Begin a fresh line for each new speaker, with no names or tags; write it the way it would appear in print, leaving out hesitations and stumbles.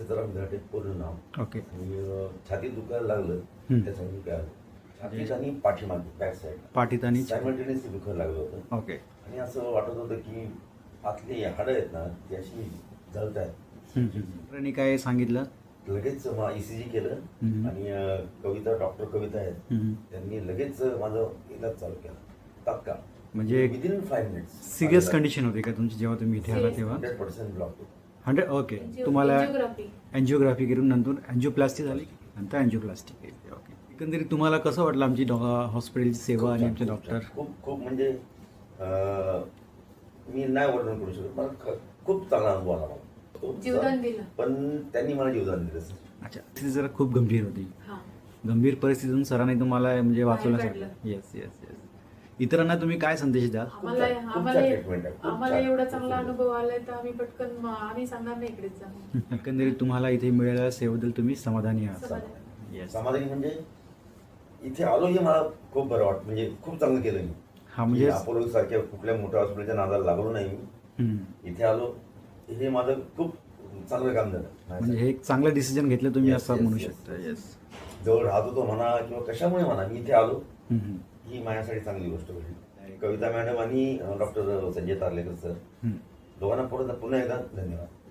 सीताराम घाटे पूर्ण नाव.
ओके.
आणि छातीत दुखायला लागलं त्यासाठी काय छातीत आणि पाठीमागे बॅक साईड
पाठीत आणि
सायमल्टेनियसली दुखायला लागलं होतं.
ओके.
आणि असं वाटत होतं की आतली हाडं आहेत ना ती अशी जळत आहेत.
डॉक्टरांनी काय सांगितलं?
लगेच ECG केलं आणि डॉक्टर कविता आहेत त्यांनी लगेच माझं इलाज चालू केला तात्काळ.
म्हणजे
विदिन 5 मिनिट्स.
सिरियस कंडिशन होती का तुमची जेव्हा तुम्ही इथे आला तेव्हा?
100% ब्लॉक होतं.
100. ओके. तुम्हाला अँजिओग्राफी करून नंतर अँजिओप्लास्टी झाली, नंतर अँजिओप्लास्टी केली. ओके. एकंदरीत तुम्हाला कसं वाटलं आमची हॉस्पिटलची सेवा आणि आमचे डॉक्टर?
खूप खूप म्हणजे मी नाही वर्णन करू शकत. मला खूप चांगला अनुभव आला मला.
जीवदान दिलं.
पण त्यांनी मला जीवदान दिलं.
अच्छा. ती जरा खूप गंभीर होती.
हां.
गंभीर परिस्थितीतून सरांनी तुम्हाला म्हणजे वाचवलं
बाहेर
सगळं.
काढलं.
Yes yes yes. इतरांना तुम्ही काय संदेश द्याल?
आम्हाला एवढा चांगला अनुभव आलाय तर आम्ही पटकन आम्ही सांगणार नाही इकडेच जाऊ.
एकंदरीत तुम्हाला इथे मिळालेल्या सेवेबद्दल तुम्ही समाधानी आहात?
समाधानी.
येस.
समाधानी म्हणजे इथे आलो हे मला खूप बरं वाटतं. म्हणजे खूप चांगलं केलं मी.
हा म्हणजे
अपोलो सारख्या कुठल्या मोठ्या हॉस्पिटलच्या नादाला लागलो नाही मी. इथे आलो हे माझं खूप चांगलं काम झालं.
म्हणजे हे एक चांगलं डिसिजन घेतलं तुम्ही
Yes,
असं
yes,
म्हणू
yes,
शकता.
yes.
येस.
जवळ राहत होतो म्हणा किंवा कशामुळे म्हणा मी इथे आलो ही माझ्यासाठी चांगली गोष्ट घडली. कविता मॅडम आणि डॉक्टर संजय तारलेकर सर दोघांना पुन्हा एकदा धन्यवाद.